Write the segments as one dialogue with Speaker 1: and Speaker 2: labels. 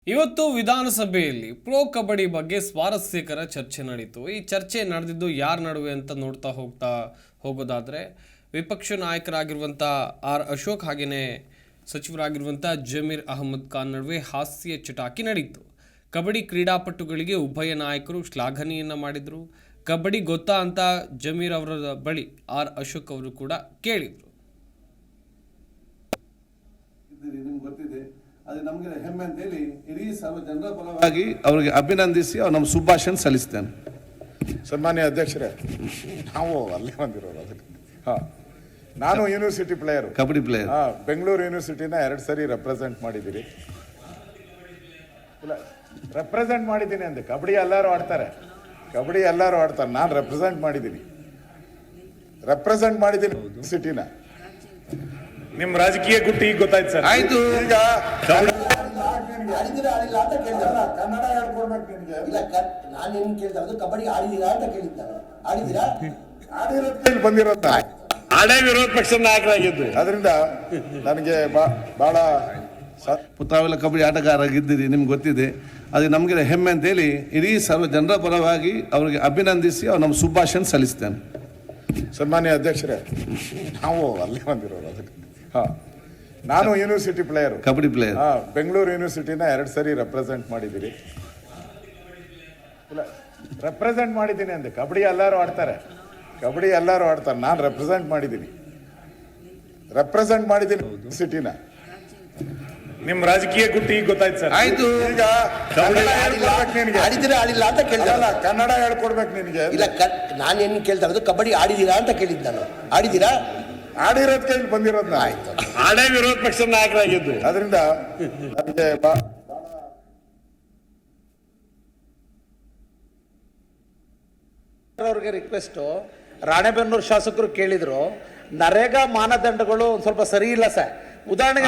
Speaker 1: ಇವತ್ತು ವಿಧಾನಸಭೆಯಲ್ಲಿ ಪ್ರೋ ಕಬಡ್ಡಿ ಬಗ್ಗೆ ಸ್ವಾರಸ್ಯಕರ ಚರ್ಚೆ ನಡೀತು. ಈ ಚರ್ಚೆ ನಡೆದಿದ್ದು ಯಾರ ನಡುವೆ ಅಂತ ನೋಡ್ತಾ ಹೋಗೋದಾದ್ರೆ ವಿಪಕ್ಷ ನಾಯಕರಾಗಿರುವಂಥ ಆರ್ ಅಶೋಕ್ ಹಾಗೆಯೇ ಸಚಿವರಾಗಿರುವಂಥ ಜಮೀರ್ ಅಹಮದ್ ಖಾನ್ ನಡುವೆ ಹಾಸ್ಯ ಚಟಾಕಿ ನಡೀತು. ಕಬಡ್ಡಿ ಕ್ರೀಡಾಪಟುಗಳಿಗೆ ಉಭಯ ನಾಯಕರು ಶ್ಲಾಘನೆಯನ್ನು ಮಾಡಿದರು. ಕಬಡ್ಡಿ ಗೊತ್ತಾ ಅಂತ ಜಮೀರ್ ಅವರ ಬಳಿ ಆರ್ ಅಶೋಕ್ ಅವರು ಕೂಡ ಕೇಳಿದರು.
Speaker 2: ಅದು ನಮಗೆ ಹೆಮ್ಮೆ ಅಂತ ಹೇಳಿ ಇಡೀ ಸರ್ವ ಜನರ ಪರವಾಗಿ ಅವರಿಗೆ ಅಭಿನಂದಿಸಿ ಅವ್ರು ನಮ್ಮ ಶುಭಾಶಯ ಸಲ್ಲಿಸ್ತೇನೆ.
Speaker 3: ಸನ್ಮಾನ್ಯ ಅಧ್ಯಕ್ಷರೇ, ನಾವು ಅಲ್ಲೇ ಬಂದಿರೋದು. ಅದಕ್ಕೆ ನಾನು university player,
Speaker 2: kabaddi player.
Speaker 3: Bengaluru ಯೂನಿವರ್ಸಿಟಿನ 2 ಸರಿ ರೆಪ್ರೆಸೆಂಟ್ ಮಾಡಿದ್ದೀರಿ. ಇಲ್ಲ, ರೆಪ್ರೆಸೆಂಟ್ ಮಾಡಿದ್ದೀನಿ ಅಂದೆ. ಕಬಡ್ಡಿ ಎಲ್ಲರೂ ಆಡ್ತಾರೆ, ನಾನು ರೆಪ್ರೆಸೆಂಟ್ ಮಾಡಿದ್ದೀನಿ ಯೂನಿವರ್ಸಿಟಿನ. ನಿಮ್ಮ ರಾಜಕೀಯ ಗುಟ್ಟು ಈಗ ಗೊತ್ತಾಯ್ತು ಸರ್.
Speaker 2: ಆಯ್ತು,
Speaker 3: ಈಗ
Speaker 4: ಕನ್ನಡ ಹೇಳ್ಕೊಡ್ಬೇಕು ನಿಮಗೆ. ಇಲ್ಲ, ನಾನು ಏನು ಕೇಳ್ತಾ ಕಬಡ್ಡಿ ಆಡಿದೀರಾ ಅಂತ ಕೇಳಿದ್ದಾನೆ. ಆಡಿದೀರಾ?
Speaker 3: ಆಡಿರೋದು ಬಂದಿರೋದು ಆಡೇ ವಿರೋಧ ಪಕ್ಷದ ನಾಯಕರಾಗಿದ್ದು. ಅದರಿಂದ ನನಗೆ ಬಹಳ
Speaker 2: ತಾವೆಲ್ಲ ಕಬಡ್ಡಿ ಆಟಗಾರರಾಗಿದ್ದೀರಿ, ನಿಮ್ಗೆ ಗೊತ್ತಿದೆ. ಅದು ನಮಗೆ ಹೆಮ್ಮೆ ಅಂತ ಹೇಳಿ ಇಡೀ ಸರ್ವ ಜನರ ಪರವಾಗಿ ಅವರಿಗೆ ಅಭಿನಂದಿಸಿ ಅವ್ರು ನಮ್ಮ ಶುಭಾಶಯ ಸಲ್ಲಿಸ್ತೇನೆ.
Speaker 3: ಸನ್ಮಾನ್ಯ ಅಧ್ಯಕ್ಷರೇ, ನಾವು ಅಲ್ಲೇ ಬಂದಿರೋದು. ಅದಕ್ಕೆ ನಾನು university player,
Speaker 2: kabaddi player.
Speaker 3: Bengaluru ಯೂನಿವರ್ಸಿಟಿನ 2 ಸರಿ ರೆಪ್ರೆಸೆಂಟ್ ಮಾಡಿದ್ದೀರಿ. ಇಲ್ಲ, ರೆಪ್ರೆಸೆಂಟ್ ಮಾಡಿದ್ದೀನಿ ಅಂದೆ. ಕಬಡ್ಡಿ ಎಲ್ಲರೂ ಆಡ್ತಾರೆ, ನಾನು ರೆಪ್ರೆಸೆಂಟ್ ಮಾಡಿದ್ದೀನಿ ಯೂನಿವರ್ಸಿಟಿನ. ನಿಮ್ಮ ರಾಜಕೀಯ ಗುಟ್ಟು ಈಗ ಗೊತ್ತಾಯ್ತು ಸರ್.
Speaker 2: ಆಯ್ತು,
Speaker 3: ಈಗ
Speaker 4: ಆಡಿದಿರಾ ಆಡಿಲ್ಲ ಅಂತ ಕೇಳಿದಲ್ಲ.
Speaker 3: ಕನ್ನಡ ಹೇಳ್ಕೊಡ್ಬೇಕು ನಿನಗೆ.
Speaker 4: ಇಲ್ಲ, ನಾನು ಏನು ಕೇಳ್ತಾ ಇರೋದು ಕಬಡ್ಡಿ ಆಡಿದೀರಾ ಅಂತ ಕೇಳಿದ್ದು ನಾನು. ಆಡಿದೀರಾ?
Speaker 3: ಆಡಿರೋದ್ ಕೈಲಿ ಬಂದಿರೋದ್ನ.
Speaker 4: ಆಯ್ತು,
Speaker 3: ಆಡೇ ವಿರೋಧ ಪಕ್ಷದ ನಾಯಕರಾಗಿದ್ದು. ಅದರಿಂದ ನನಗೆ
Speaker 5: ಅವ್ರಿಗೆ ರಿಕ್ವೆಸ್ಟು. ರಾಣೆಬೆನ್ನೂರು ಶಾಸಕರು ಕೇಳಿದ್ರು, ನರೇಗಾ ಮಾನದಂಡಗಳು ಒಂದು ಸ್ವಲ್ಪ ಸರಿ ಇಲ್ಲ ಸರ್. ಉದಾಹರಣೆಗೆ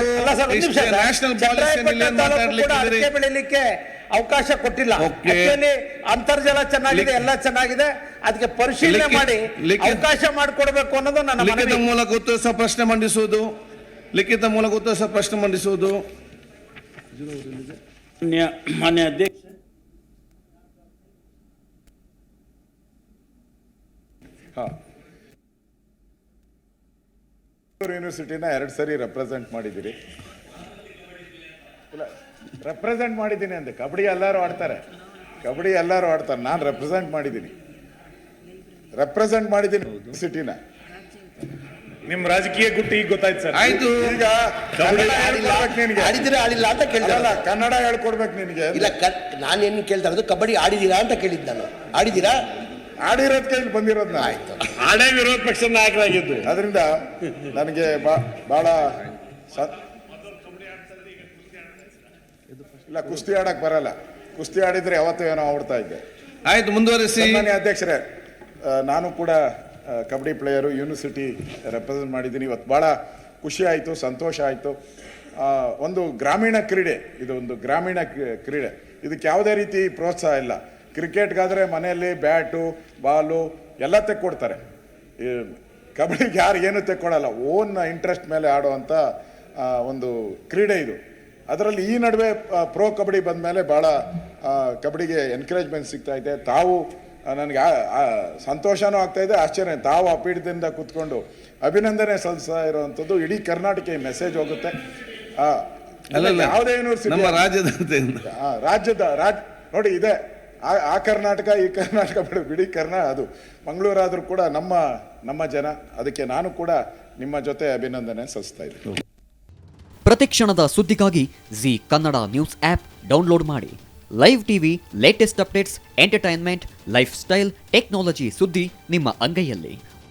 Speaker 5: ಅಡಿಕೆ ಬೆಳಿಲಿಕ್ಕೆ ಅವಕಾಶ ಕೊಟ್ಟಿಲ್ಲ. ಅಂತರ್ಜಲ ಚೆನ್ನಾಗಿದೆ, ಎಲ್ಲ ಚೆನ್ನಾಗಿದೆ, ಅದಕ್ಕೆ ಪರಿಶೀಲನೆ ಮಾಡಿ ಅವಕಾಶ ಮಾಡಿಕೊಡ್ಬೇಕು ಅನ್ನೋದು ನನ್ನ
Speaker 2: ಲಿಖಿತ ಮೂಲಕ ಉತ್ತರಿಸುವ ಪ್ರಶ್ನೆ ಮಂಡಿಸುವುದು.
Speaker 5: ಮಾನ್ಯ ಅಧ್ಯಕ್ಷ,
Speaker 3: ಯೂನಿವರ್ಸಿಟಿನ 2 ಸರಿ ರೆಪ್ರೆಸೆಂಟ್ ಮಾಡಿದ್ದೀರಿ. ಇಲ್ಲ, ರೆಪ್ರೆಸೆಂಟ್ ಮಾಡಿದ್ದೀನಿ ಅಂದೆ. ಕಬಡ್ಡಿ ಎಲ್ಲರೂ ಆಡ್ತಾರೆ, ನಾನು ರೆಪ್ರೆಸೆಂಟ್ ಮಾಡಿದ್ದೀನಿ ಯೂನಿವರ್ಸಿಟಿನ. ನಿಮ್ಮ ರಾಜಕೀಯ ಗುಟ್ಟು ಈಗ ಗೊತ್ತಾಯ್ತು ಸರ್.
Speaker 2: ಆಯ್ತು,
Speaker 3: ಈಗ
Speaker 4: ಆಡಿದಿರಾ ಆಡಿಲ್ಲ ಅಂತ ಕೇಳಿದಲ್ಲ.
Speaker 3: ಕನ್ನಡ ಹೇಳ್ಕೊಡ್ಬೇಕು ನಿನಗೆ.
Speaker 4: ಇಲ್ಲ, ನಾನು ಏನು ಕೇಳ್ತಾ ಇರೋದು ಕಬಡ್ಡಿ ಆಡಿದೀರಾ ಅಂತ ಕೇಳಿದ್ದು ನಾನು. ಆಡಿದೀರಾ?
Speaker 3: ಆಡಿರೋದ್ ಕೈಲಿ ಬಂದಿರೋದ್ನ.
Speaker 4: ಆಯ್ತು,
Speaker 3: ಆಡೇ ವಿರೋಧ ಪಕ್ಷದ ನಾಯಕರಾಗಿದ್ದು. ಅದರಿಂದ ನನಗೆ ಬಹಳ ಇಲ್ಲ, ಕುಸ್ತಿ ಆಡಕ್ ಬರಲ್ಲ. ಕುಸ್ತಿ ಆಡಿದ್ರೆ ಯಾವತ್ತೂ ಏನೋ ಆಡ್ತಾ ಇದ್ದೆ.
Speaker 2: ಆಯ್ತು, ಮುಂದುವರಿಸಿ.
Speaker 3: ಸನ್ಮಾನ್ಯ ಅಧ್ಯಕ್ಷರೇ, ನಾನು ಕೂಡ ಕಬಡ್ಡಿ ಪ್ಲೇಯರು, ಯೂನಿವರ್ಸಿಟಿ ರೆಪ್ರೆಸೆಂಟ್ ಮಾಡಿದ್ದೀನಿ. ಇವತ್ತು ಭಾಳ ಖುಷಿ ಆಯಿತು, ಸಂತೋಷ ಆಯಿತು. ಒಂದು ಗ್ರಾಮೀಣ ಕ್ರೀಡೆ, ಇದಕ್ಕೆ ಯಾವುದೇ ರೀತಿ ಪ್ರೋತ್ಸಾಹ ಇಲ್ಲ. ಕ್ರಿಕೆಟ್ಗಾದರೆ ಮನೆಯಲ್ಲಿ ಬ್ಯಾಟು ಬಾಲು ಎಲ್ಲ ತೆಕ್ಕೊಡ್ತಾರೆ. ಕಬಡ್ಡಿಗೆ ಯಾರು ಏನೂ ತೆಕ್ಕೊಡಲ್ಲ. ಓನ್ ಇಂಟ್ರೆಸ್ಟ್ ಮೇಲೆ ಆಡುವಂಥ ಒಂದು ಕ್ರೀಡೆ ಇದು. ಅದರಲ್ಲಿ ಈ ನಡುವೆ ಪ್ರೋ ಕಬಡ್ಡಿ ಬಂದ ಮೇಲೆ ಭಾಳ ಕಬಡ್ಡಿಗೆ ಎನ್ಕರೇಜ್ಮೆಂಟ್ ಸಿಗ್ತಾ ಇದೆ. ತಾವು ನನಗೆ ಸಂತೋಷನೂ ಆಗ್ತಾಯಿದೆ, ಆಶ್ಚರ್ಯ. ತಾವು ಆ ಪೀಠದಿಂದ ಕೂತ್ಕೊಂಡು ಅಭಿನಂದನೆ ಸಲ್ಲಿಸ್ತಾ ಇರುವಂಥದ್ದು ಇಡೀ ಕರ್ನಾಟಕ ಈ ಮೆಸೇಜ್ ಹೋಗುತ್ತೆ. ಯಾವುದೇ ಯೂನಿವರ್ಸಿಟಿ ರಾಜ್ಯದ ನೋಡಿ ಇದೆ, ಆ ಕರ್ನಾಟಕ ಈ ಕರ್ನಾಟಕ ಬಿಡಿ ಅದು ಮಂಗಳೂರಾದರೂ ಕೂಡ ನಮ್ಮ ಜನ. ಅದಕ್ಕೆ ನಾನು ಕೂಡ ನಿಮ್ಮ ಜೊತೆ ಅಭಿನಂದನೆ ಸಲ್ಲಿಸ್ತಾ ಇದ್ದೀನಿ.
Speaker 6: ಪ್ರತಿಕ್ಷಣದ ಸುದ್ದಿಗಾಗಿ Zee Kannada news app download ಮಾಡಿ. Live TV, latest updates, entertainment, lifestyle, technology ಸುದ್ದಿ ನಿಮ್ಮ ಅಂಗೈಯಲ್ಲಿ.